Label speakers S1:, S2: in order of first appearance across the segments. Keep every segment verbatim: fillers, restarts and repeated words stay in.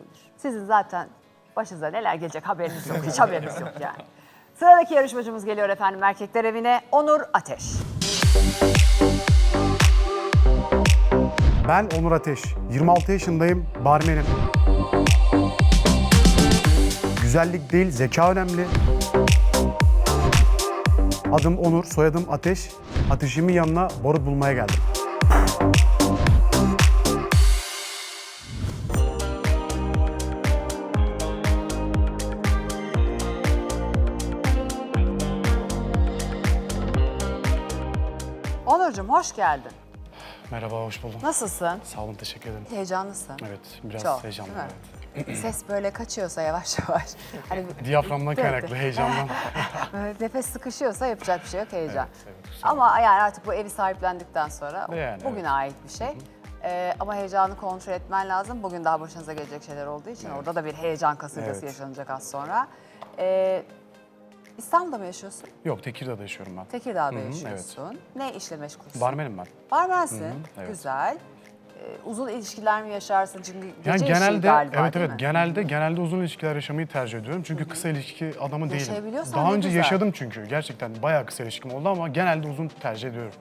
S1: olabilir. Sizin zaten başınıza neler gelecek haberiniz yok, hiç haberiniz yok yani. Sıradaki yarışmacımız geliyor efendim erkekler evine. Onur Ateş.
S2: Ben Onur Ateş, yirmi altı yaşındayım, barmenim. Güzellik değil, zeka önemli. Adım Onur, soyadım Ateş. Ateşimin yanına barut bulmaya geldim.
S1: Onurcuğum hoş geldin.
S2: Merhaba, hoş buldum.
S1: Nasılsın?
S2: Sağ olun, teşekkür ederim.
S1: Heyecanlısın.
S2: Evet, biraz
S1: Çok,
S2: heyecanlıyım.
S1: değil mi?
S2: Evet.
S1: Ses böyle kaçıyorsa yavaş yavaş. Hani
S2: Diyaframdan
S1: Evet.
S2: kaynaklı, heyecandan.
S1: böyle nefes sıkışıyorsa yapacak bir şey yok heyecan.
S2: Evet, evet, kusura
S1: Ama yani artık bu evi sahiplendikten sonra
S2: Yani,
S1: bugüne
S2: evet.
S1: ait bir şey. Ee, ama heyecanı kontrol etmen lazım. Bugün daha başınıza gelecek şeyler olduğu için orada da bir heyecan kasırgası
S2: Evet.
S1: yaşanacak az sonra. Ee, İstanbul'da mı yaşıyorsun?
S2: Yok, Tekirdağ'da yaşıyorum ben.
S1: Tekirdağ'da
S2: Hı hı,
S1: yaşıyorsun. Ne işle meşgulsün?
S2: Barmenim ben.
S1: Barmensin.
S2: Hı hı, evet.
S1: Güzel. Ee, uzun ilişkiler mi yaşarsın? Çünkü gece
S2: Yani
S1: işi
S2: genelde,
S1: galiba
S2: evet
S1: değil
S2: evet,
S1: mi?
S2: genelde genelde uzun ilişkiler yaşamayı tercih ediyorum. Çünkü kısa ilişki adamı değilim.
S1: Yaşayabiliyorsan
S2: Daha
S1: ne
S2: önce
S1: güzel.
S2: yaşadım çünkü. Gerçekten bayağı kısa ilişkim oldu ama genelde uzun tercih ediyorum.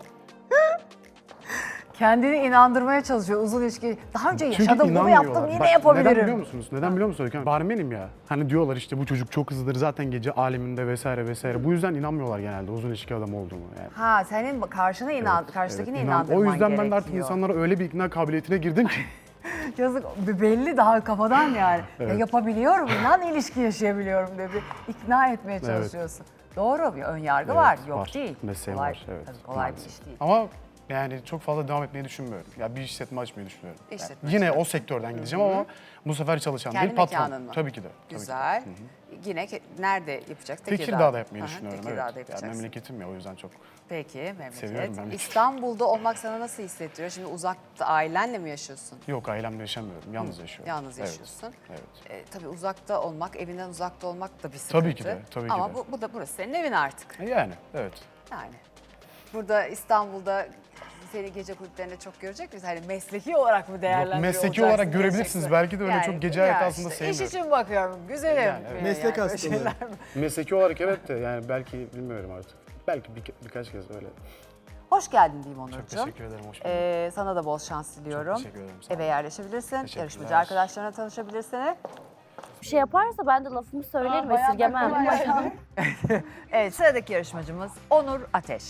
S1: Kendini inandırmaya çalışıyor uzun ilişki. Daha önce
S2: Çünkü
S1: yaşadım, bunu
S2: inanmıyorlar.
S1: yaptım, yine
S2: Bak,
S1: yapabilirim.
S2: Neden biliyor musunuz? Neden biliyor musunuz? Öykü Hanım? Barmenim ya. Hani diyorlar işte bu çocuk çok hızlıdır zaten gece aleminde vesaire vesaire. Bu yüzden inanmıyorlar genelde uzun ilişki adamı olduğumu yani.
S1: Ha senin karşına inan, karşıdakini
S2: Evet, inan-
S1: inandırman
S2: O yüzden ben de artık
S1: gerekiyor.
S2: insanlara öyle bir ikna kabiliyetine girdim ki.
S1: Yazık belli daha kafadan yani.
S2: Evet.
S1: Ya yapabiliyorum, inan ilişki yaşayabiliyorum diye bir ikna etmeye çalışıyorsun. Doğru bir ön yargı var,
S2: Evet,
S1: yok
S2: var.
S1: değil.
S2: Mesleğim
S1: kolay,
S2: var, evet,
S1: tabii kolay bir
S2: maalesef.
S1: iş değil.
S2: Ama yani çok fazla devam etmeyi düşünmüyorum. Ya bir işletme açmayı düşünüyorum. Yani
S1: İşletme
S2: yine
S1: açmak.
S2: o sektörden gideceğim ama bu sefer çalışan
S1: Kendi
S2: değil patron.
S1: mekanın mı?
S2: Tabii ki de. tabii ki de.
S1: Güzel. Yine ke- nerede yapacaksın?
S2: Tekirdağ'da yapmayı
S1: Aha,
S2: düşünüyorum.
S1: Tekirdağ'da
S2: Evet. Ya
S1: yapacaksın.
S2: memleketim ya o yüzden çok.
S1: Peki, memleket.
S2: Seviyorum memleketi.
S1: İstanbul'da olmak sana nasıl hissettiriyor? Şimdi uzakta ailenle mi yaşıyorsun?
S2: Yok, ailemle yaşamıyorum. Yalnız yaşıyorum.
S1: Yalnız
S2: Evet,
S1: yaşıyorsun.
S2: Evet.
S1: Ee, tabii uzakta olmak, evinden uzakta olmak da bir sıkıntı.
S2: Tabii ki de, tabii ki
S1: Ama
S2: de.
S1: bu, bu da burası senin evin artık.
S2: E, Yani evet.
S1: Yani burada İstanbul'da seni gece kulüplerinde çok görecek miyiz? Hani mesleki olarak mı değerlendiriyor
S2: Yok, mesleki
S1: olacaksın
S2: olarak görebilirsiniz.
S1: diyeceksin.
S2: Belki de öyle çok gece hayatı aslında
S1: işte, İş
S2: sevmiyorum.
S1: için bakıyorum, güzelim.
S2: Yani, evet.
S3: Meslek
S1: böyle
S3: hastalığı.
S1: şeyler.
S2: Mesleki olarak evet de yani belki bilmiyorum artık. Belki bir, birkaç kez öyle.
S1: Hoş geldin diyeyim Onurcuğum.
S2: Çok teşekkür ederim. Hoş bulduk.
S1: Ee, sana da bol şans diliyorum.
S2: Çok teşekkür ederim, sağ
S1: Eve
S2: olun.
S1: yerleşebilirsin.
S2: Teşekkürler.
S1: Yarışmacı arkadaşlarına tanışabilirsin.
S4: Bir şey yaparsa ben de lafımı söylerim, esirgemem.
S1: Evet, sıradaki yarışmacımız Onur Ateş.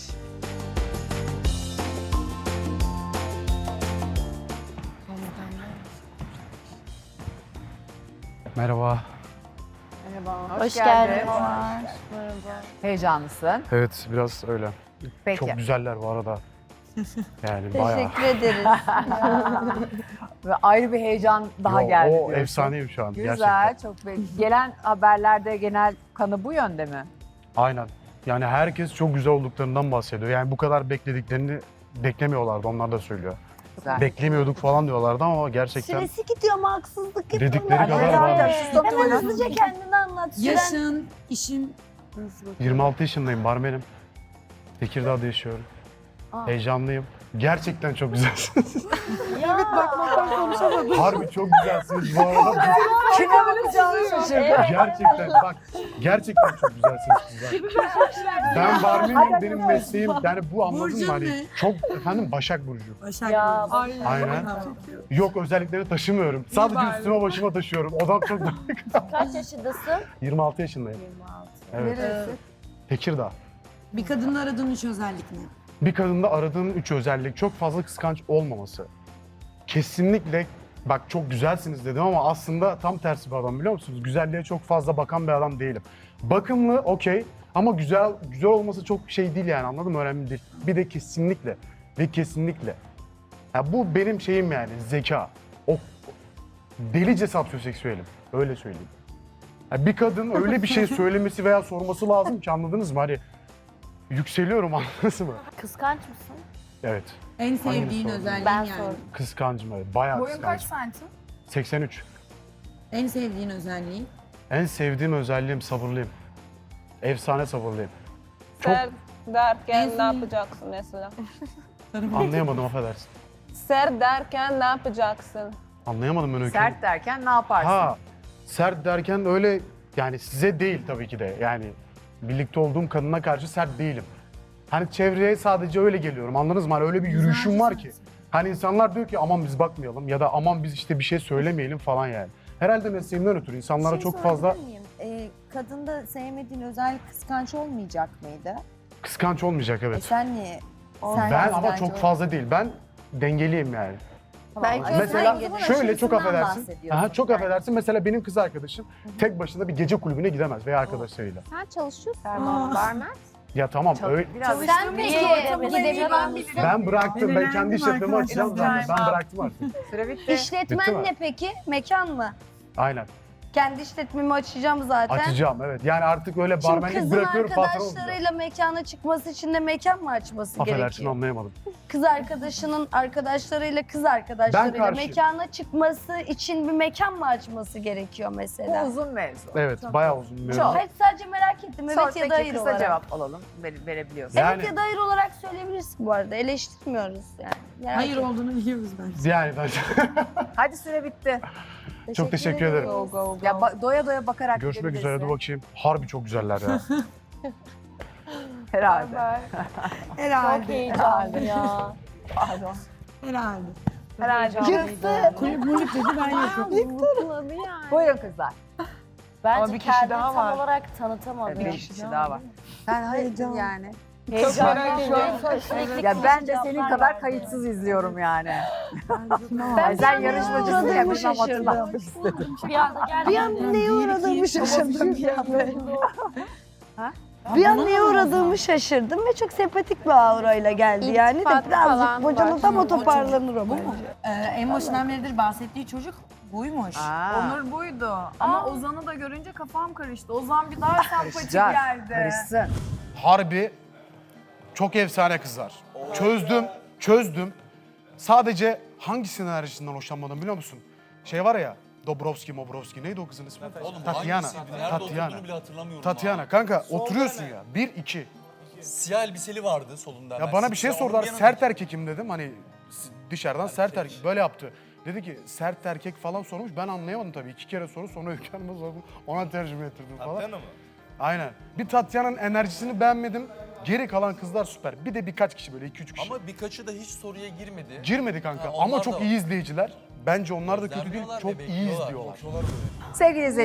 S2: Merhaba.
S1: Merhaba.
S4: Hoş geldin.
S1: Heyecanlısın.
S2: Evet, biraz öyle.
S1: Peki.
S2: Çok güzeller bu arada. Yani bayağı.
S4: Teşekkür ederiz.
S1: Ve ayrı bir heyecan daha
S2: Yo,
S1: geldi.
S2: O
S1: diyorsun.
S2: efsaneyim şu an
S1: Güzel,
S2: gerçekten.
S1: çok belli. Gelen haberlerde genel kanı bu yönde mi?
S2: Aynen. Yani herkes çok güzel olduklarından bahsediyor. Yani bu kadar beklediklerini beklemiyorlardı, onlar da söylüyor.
S1: Güzel.
S2: Beklemiyorduk falan diyorlardı ama gerçekten
S4: Süresi gidiyor ama haksızlık yapıyorlar.
S2: dedikleri kadar
S1: Evet,
S2: varmış.
S1: evet.
S4: Hemen hızlıca kendini anlat. Süren-
S5: Yaşın, işin
S2: yirmi altı yaşındayım, barmenim. Tekirdağ'da yaşıyorum. Heyecanlıyım. Gerçekten çok güzelsiniz.
S4: Evet bakmaktan konuşamadım.
S2: Harbi çok güzelsiniz bu arada.
S1: Kime bakacağını şaşırdı.
S2: Gerçekten bak, gerçekten çok güzelsiniz kızlar. Ben barmenim, benim mesleğim. Yani bu anladın
S5: Burcun
S2: mı? Hani
S5: ne?
S2: çok efendim Başak Burcu.
S5: Başak
S4: Ya,
S5: Burcu.
S2: Aynen. Yok, özellikleri taşımıyorum. Sadece
S5: bari.
S2: üstüme başıma taşıyorum. Odam çok da...
S4: Kaç yaşındasın?
S2: yirmi altı yaşındayım.
S4: yirmi altı.
S2: Evet.
S1: Neresi?
S2: Tekirdağ.
S5: Bir kadında aradığın üç özellik ne?
S2: Bir kadında aradığım üç özellik çok fazla kıskanç olmaması. Kesinlikle bak çok güzelsiniz dedim ama aslında tam tersi bir adam, biliyor musunuz? Güzelliğe çok fazla bakan bir adam değilim. Bakımlı okey ama güzel güzel olması çok şey değil yani, anladın mı? Önemli değil. Bir de kesinlikle ve kesinlikle. Ya bu benim şeyim yani, zeka. O delice sapyoseksüelim. Öyle söyleyeyim. Ya bir kadın öyle bir şey söylemesi veya sorması lazım ki, anladınız mı? Hani yükseliyorum, anladınız mı?
S4: Kıskanç mısın?
S2: Evet.
S5: En sevdiğin
S2: Hangisi
S5: özelliğin
S4: Ben
S5: yani.
S4: sordum.
S2: Kıskancım, evet. Bayağı
S6: Boyun kaç
S2: kıskancım.
S6: santim?
S2: seksen üç.
S5: En sevdiğin özelliğin.
S2: En sevdiğim özelliğim sabırlıyım. Efsane sabırlıyım. Çok
S7: Ser derken
S5: En
S7: ne
S5: son-
S7: yapacaksın mesela?
S2: anlayamadım, affedersin.
S7: Ser derken ne yapacaksın?
S2: Anlayamadım ben Öykü Hanım.
S1: Sert derken ne yaparsın?
S2: Ha, sert derken öyle yani size değil tabii ki de. Yani birlikte olduğum kadına karşı sert değilim. Hani çevreye sadece öyle geliyorum. Anladınız mı? Hani öyle bir yürüyüşüm var ki. Hani insanlar diyor ki aman biz bakmayalım ya da aman biz işte bir şey söylemeyelim falan yani. Herhalde mesleğimden ötürü insanlara
S3: Şey
S2: çok fazla
S3: sorabilir miyim? Ee, kadında sevmediğin özellik kıskanç olmayacak mıydı?
S2: kıskanç olmayacak
S3: E
S2: evet.
S3: sen niye? Sen
S2: Ben
S3: kıskanç
S2: ama çok
S3: ol-
S2: fazla değil. Ben dengeliyim yani.
S3: Belki
S2: Mesela
S3: özellikle
S2: şöyle çok
S3: aşırısından
S2: affedersin.
S3: bahsediyorsun.
S2: Aha, çok affedersin. Mesela benim kız arkadaşım tek başına bir gece kulübüne gidemez veya arkadaşlarıyla.
S4: Sen çalışıyorsun.
S5: Aa.
S4: Barmen.
S2: Ya tamam
S1: Çok-
S2: öyle.
S1: Biraz
S4: Sen peki gidebiliyor musun?
S2: Ben bıraktım. Ben
S5: Öğrendim
S2: kendi işletmemi
S5: arkadaşlar.
S2: açacağım zaten. Ben bıraktım artık.
S1: süre bitti.
S2: Bitti
S6: İşletmen
S2: mi?
S6: ne peki? Mekan mı?
S2: Aynen.
S6: Kendi işletmemi açacağım zaten.
S2: Açacağım evet. Yani artık öyle
S6: Şimdi
S2: barmenlik
S6: kızın
S2: bırakıyorum patron olacağım.
S6: arkadaşlarıyla mekana çıkması için de mekan mı açması
S2: Affedersin
S6: gerekiyor?
S2: anlayamadım.
S6: Kız arkadaşının arkadaşlarıyla kız arkadaşlarıyla
S2: karşıyım.
S6: mekana çıkması için bir mekan mı açması gerekiyor
S1: Bu
S6: mesela?
S1: uzun mevzu.
S2: Evet bayağı uzun bir
S1: Çok.
S2: mevzu.
S6: Evet, sadece merak ettim. Evet
S1: Sor,
S6: ya
S1: peki
S6: da hayır
S1: kısa
S6: olarak.
S1: cevap alalım. Vere, verebiliyorsun.
S2: Yani-
S6: Evet ya da hayır olarak söyleyebilirsin bu arada. Eleştirmiyoruz yani. Merak
S5: Hayır
S6: ettim.
S5: olduğunu biliyoruz bence.
S2: Yani ben
S1: Hadi süre bitti.
S2: çok teşekkür ederim.
S6: Go, go, go.
S1: Ya ba- doya doya bakarak
S2: Görüşmek üzere.
S1: gidebilirsin.
S2: Dur bakayım. Harbi çok güzeller ya.
S1: Herhalde.
S5: Herhalde.
S4: Çok heyecanlı ya.
S1: Pardon.
S5: Herhalde.
S4: Herhalde.
S5: Kulüp mulüp dedi ben yokum.
S4: Mutladı yani.
S1: Buyurun kızlar.
S4: Bence
S1: Ama bir kişi
S4: kendini
S1: daha
S4: tam
S1: var.
S4: olarak tanıtamadı.
S1: Bir kişi daha var. Ben hayır
S5: Heyecan.
S1: yani.
S4: Heyecanlı.
S1: Ya ben de senin kadar kayıtsız izliyorum yani.
S5: Ben
S1: Sen yarışmacısın ya
S6: uğradığımı
S1: bilmem
S6: şaşırdım.
S1: hatırlatmak istedim.
S4: Bir anda geldi.
S6: Bir an neye uğradığımı şaşırdım bir an böyle.
S1: Ha?
S6: Bir an neye uğradığımı şaşırdım ve çok sempatik bir aurayla geldi yani de
S4: İltifat
S6: birazcık
S4: falan
S6: bocalı tam
S4: var.
S6: o toparlanır o bence.
S5: Ee, en başından beridir bahsettiği çocuk buymuş.
S1: Aa,
S7: Onur buydu. Ama Ozan'ı da görünce kafam karıştı. Ozan bir daha sempatik
S1: karışacak.
S7: geldi.
S1: Karışsın.
S2: Harbi çok efsane kızlar. Çözdüm, çözdüm. Sadece hangisinin enerjisinden hoşlanmadım biliyor musun? Şey var ya, Dobrovski, Mobrovski. Neydi o kızın ismi?
S8: Oğlum
S2: Tatyana.
S8: hangisiydi? Nerede
S2: Tatyana.
S8: oturduğunu bile hatırlamıyorum.
S2: Tatyana.
S8: abi.
S2: Kanka
S8: Solda
S2: oturuyorsun
S8: hemen.
S2: ya. Bir, iki.
S8: Siyah elbiseli vardı solunda.
S2: Ya
S8: hemen.
S2: bana bir şey
S8: Siyah, onun
S2: sordular.
S8: yanına
S2: Sert
S8: gittim.
S2: erkekim dedim. Hani s- dışarıdan sert erkek. Böyle yaptı. Dedi ki sert erkek falan sormuş. Ben anlayamadım tabii. İki kere soru sonra Öykü Hanım'a sordum. Ona tercüme ettirdim falan.
S8: Tatyana mı?
S2: Aynen. Bir Tatyana'nın enerjisini beğenmedim. Geri kalan kızlar süper. Bir de birkaç kişi böyle iki üç kişi.
S8: Ama birkaçı da hiç soruya girmedi.
S2: Girmedi kanka
S8: Ha, onlar
S2: ama
S8: da
S2: çok
S8: var.
S2: iyi izleyiciler. Bence onlar da kötü değil.
S8: Gözlemliyorlar
S2: Çok
S8: ve
S2: iyi
S8: bekliyorlar,
S2: izliyorlar.
S8: bakıyorlar böyle.
S1: Sevgili izleyiciler.